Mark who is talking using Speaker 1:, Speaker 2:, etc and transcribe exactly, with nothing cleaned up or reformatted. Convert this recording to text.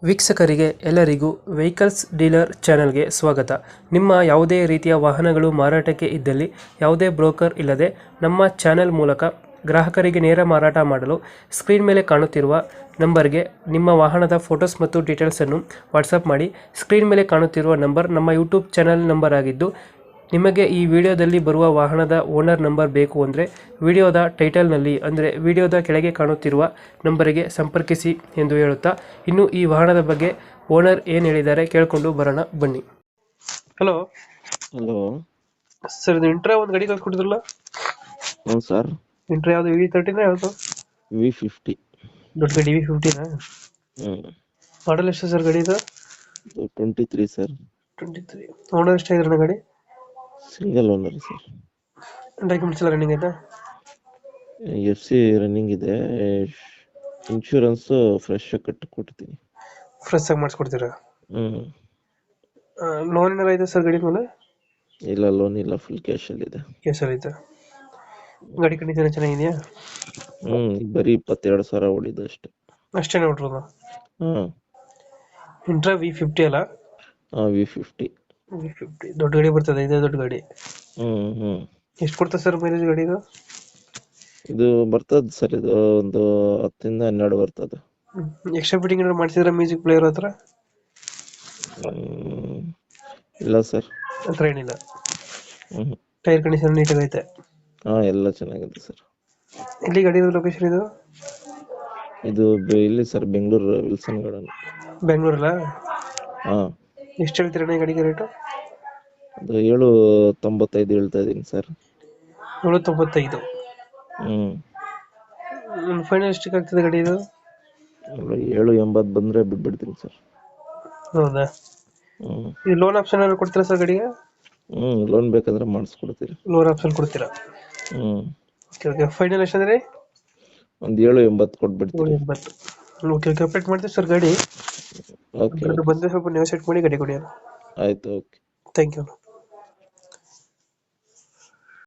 Speaker 1: ವೀಕ್ಷಕರಿಗೆ ಎಲ್ಲರಿಗೂ vehicles dealer ಚಾನೆಲ್ಗೆ ಸ್ವಾಗತ. ನಿಮ್ಮ ಯಾವುದೇ ರೀತಿಯ ವಾಹನಗಳು ಮಾರಾಟಕ್ಕೆ ಇದ್ದಲ್ಲಿ ಯಾವುದೇ ಬ್ರೋಕರ್ ಇಲ್ಲದೆ ನಮ್ಮ ಚಾನೆಲ್ ಮೂಲಕ ಗ್ರಾಹಕರಿಗೆ ನೇರ ಮಾರಾಟ ಮಾಡಲು ಸ್ಕ್ರೀನ್ ಮೇಲೆ ಕಾಣುತ್ತಿರುವ ನಂಬರ್ಗೆ ನಿಮ್ಮ ವಾಹನದ ಫೋಟೋಸ್ ಮತ್ತು ಡೀಟೇಲ್ಸನ್ನು ವಾಟ್ಸಪ್ ಮಾಡಿ. ಸ್ಕ್ರೀನ್ ಮೇಲೆ ಕಾಣುತ್ತಿರುವ ನಂಬರ್ ನಮ್ಮ ಯೂಟ್ಯೂಬ್ ಚಾನೆಲ್ ನಂಬರ್ ಆಗಿದ್ದು, ನಿಮಗೆ ಈ ವಿಡಿಯೋದಲ್ಲಿ ಬರುವ ವಾಹನದ ಓನರ್ ನಂಬರ್ ಬೇಕು ಅಂದರೆ ವಿಡಿಯೋದ ಟೈಟಲ್ನಲ್ಲಿ ಅಂದರೆ ವಿಡಿಯೋದ ಕೆಳಗೆ ಕಾಣುತ್ತಿರುವ ನಂಬರಿಗೆ ಸಂಪರ್ಕಿಸಿ ಎಂದು ಹೇಳುತ್ತಾ, ಇನ್ನು ಈ ವಾಹನದ ಬಗ್ಗೆ ಓನರ್ ಏನು ಹೇಳಿದ್ದಾರೆ ಕೇಳಿಕೊಂಡು ಬರೋಣ ಬನ್ನಿ. ಹಲೋ
Speaker 2: ಹಲೋ
Speaker 1: ಸರ್, ಇದು ಇಂಟ್ರಾ ಒಂದು ಗಾಡಿ ಕಳ್ಸ್ಕೊಟ್ಟಿದ್ರಲ್ಲ,
Speaker 2: ಹ್ಞೂ ಸರ್.
Speaker 1: ಇಂಟ್ರಾ ಯಾವುದು ವಿ ತರ್ಟಿನ ಯಾವುದು?
Speaker 2: V fifty.
Speaker 1: ದೊಡ್ಡ ಗಾಡಿ ವಿ ಫಿಫ್ಟಿನಾ?
Speaker 2: ಹ್ಞೂ
Speaker 1: ಮಾಡಲ್ ಎಷ್ಟು ಸರ್ ಗಾಡಿ ಇದು?
Speaker 2: Twenty three sir.
Speaker 1: Twenty three. Owner ಎಷ್ಟಾಗಿದ್ರಣ್ಣ ಗಾಡಿ?
Speaker 2: Single owner sir.
Speaker 1: ಡಾಕ್ಯುಮೆಂಟ್ಸ್ ಎಲ್ಲ ರನ್ನಿಂಗ್ ಐತಾ?
Speaker 2: ಎಫ್ ಸಿ ರನ್ನಿಂಗ್ ಇದೆ. ಇನ್ಶೂರೆನ್ಸು ಫ್ರೆಶ್ ಕಟ್ಟಿ ಕೊಡ್ತೀನಿ.
Speaker 1: ಫ್ರೆಶ್ ಆಗಿ ಮಾಡಿಸ್ಕೊಡ್ತೀರಾ?
Speaker 2: ಹ್ಞೂ
Speaker 1: ಲೋನ್ ಏನಾರ ಐತೆ ಸರ್ ಗಾಡಿ ಮೇಲೆ?
Speaker 2: ಇಲ್ಲ, ಲೋನ್ ಇಲ್ಲ, ಫುಲ್ ಕ್ಯಾಶಲ್ಲಿದೆ.
Speaker 1: ಕೇಸಲ್ಲಿ ಐತೆ. ಗಾಡಿ ಕಂಡೀಷನ್ ಚೆನ್ನಾಗಿದೆಯಾ?
Speaker 2: ಹ್ಞೂ ಬರೀ ಇಪ್ಪತ್ತೆರಡು ಸಾವಿರ ಓಡಿದೆ ಅಷ್ಟೇ.
Speaker 1: ಅಷ್ಟೇ ನೋಡ್ರದು.
Speaker 2: ಹಾಂ
Speaker 1: ಇಂಟ್ರಾ ವಿ ಫಿಫ್ಟಿ ಅಲ್ಲ?
Speaker 2: ಹಾಂ ವಿ ಫಿಫ್ಟಿ.
Speaker 1: ವಿ ಫಿಫ್ಟಿ ದೊಡ್ಡ ಗಾಡಿ ಬರ್ತದೆ, ಇದೇ ದೊಡ್ಡ ಗಾಡಿ.
Speaker 2: ಹ್ಞೂ ಹ್ಞೂ
Speaker 1: ಎಷ್ಟು ಕೊಡ್ತದೆ ಸರ್ ಮೈಲೇಜ್ ಗಾಡಿದು?
Speaker 2: ಇದು ಬರ್ತದೆ ಸರ್, ಇದು ಒಂದು ಹತ್ತರಿಂದ ಹನ್ನೆರಡು ಬರ್ತದೆ.
Speaker 1: ಎಕ್ಸ್ಟ್ರಾ ಫಿಟ್ಟಿಂಗ್ ಏನಾದ್ರು ಮಾಡಿಸಿದ್ರೆ ಮ್ಯೂಸಿಕ್ ಪ್ಲೇಯರ್ ಹತ್ರ?
Speaker 2: ಹ್ಮ್, ಇಲ್ಲ ಸರ್.
Speaker 1: ಹತ್ರ ಏನಿಲ್ಲ.
Speaker 2: ಹ್ಞೂ
Speaker 1: ಟೈರ್ ಕಂಡೀಷನ್ ನೀಟಾಗಿ ಐತೆ?
Speaker 2: ಹಾಂ ಎಲ್ಲ ಚೆನ್ನಾಗಿದೆ ಸರ್.
Speaker 1: ಎಲ್ಲಿ ಗಾಡಿ ಲೊಕೇಶನ್ ಇದು?
Speaker 2: ಇದು ಬೆ- ಇಲ್ಲಿ ಸರ್, ಬೆಂಗಳೂರು ವಿಲ್ಸನ್ ಗಾರ್ಡನ್.
Speaker 1: ಬೆಂಗಳೂರಲ್ಲ?
Speaker 2: ಹಾಂ
Speaker 1: ಎಷ್ಟು ಹೇಳ್ತೀರಣ್ಣ ಈ ಗಾಡಿಗೆ ರೇಟು?
Speaker 2: ಅದು ಏಳು ತೊಂಬತ್ತೈದು ಹೇಳ್ತಾ ಇದ್ದೀನಿ ಸರ್.
Speaker 1: ಏಳು ತೊಂಬತ್ತೈದು.
Speaker 2: ಹ್ಞೂ
Speaker 1: ಫೈನಲ್ ಎಷ್ಟಕ್ಕೆ ಆಗ್ತದೆ ಗಾಡಿ ಇದು?
Speaker 2: ಏಳು ಎಂಬತ್ತು ಬಂದರೆ ಬಿಟ್ಬಿಡ್ತೀನಿ ಸರ್.
Speaker 1: ಹೌದಾ?
Speaker 2: ಹ್ಞೂ
Speaker 1: ಈ ಲೋನ್ ಆಪ್ಷನ್ ಏನಾದ್ರು ಕೊಡ್ತೀರಾ ಸರ್ ಗಾಡಿಗೆ?
Speaker 2: ಹ್ಞೂ ಲೋನ್ ಬೇಕಾದ್ರೆ ಮಾಡಿಸ್ಕೊಡ್ತೀರಿ.
Speaker 1: ಲೋನ್ ಆಪ್ಷನ್ ಕೊಡ್ತೀರಾ?
Speaker 2: ಹ್ಞೂ
Speaker 1: ಓಕೆ ಓಕೆ. ಫೈನಲ್ ಎಷ್ಟಂದ್ರೆ?
Speaker 2: ಒಂದು ಏಳು ಎಂಬತ್ತು ಕೊಟ್ಬಿಡ್ತೀರಿ.
Speaker 1: ಏಳು ಎಂಬತ್ತು. ಓಕೆ ಓಕೆ, ಅಪ್ಡೇಟ್ ಮಾಡ್ತೀವಿ ಸರ್ ಗಾಡಿ.
Speaker 2: ಓಕೆ ಓಕೆ
Speaker 1: ಬಂದರೆ ಸ್ವಲ್ಪ ನೀವು ಸೆಟ್ ಮಾಡಿ ಗಾಡಿ ಕೊಡಿ.
Speaker 2: ಆಯಿತು. ಓಕೆ.
Speaker 1: Thank you.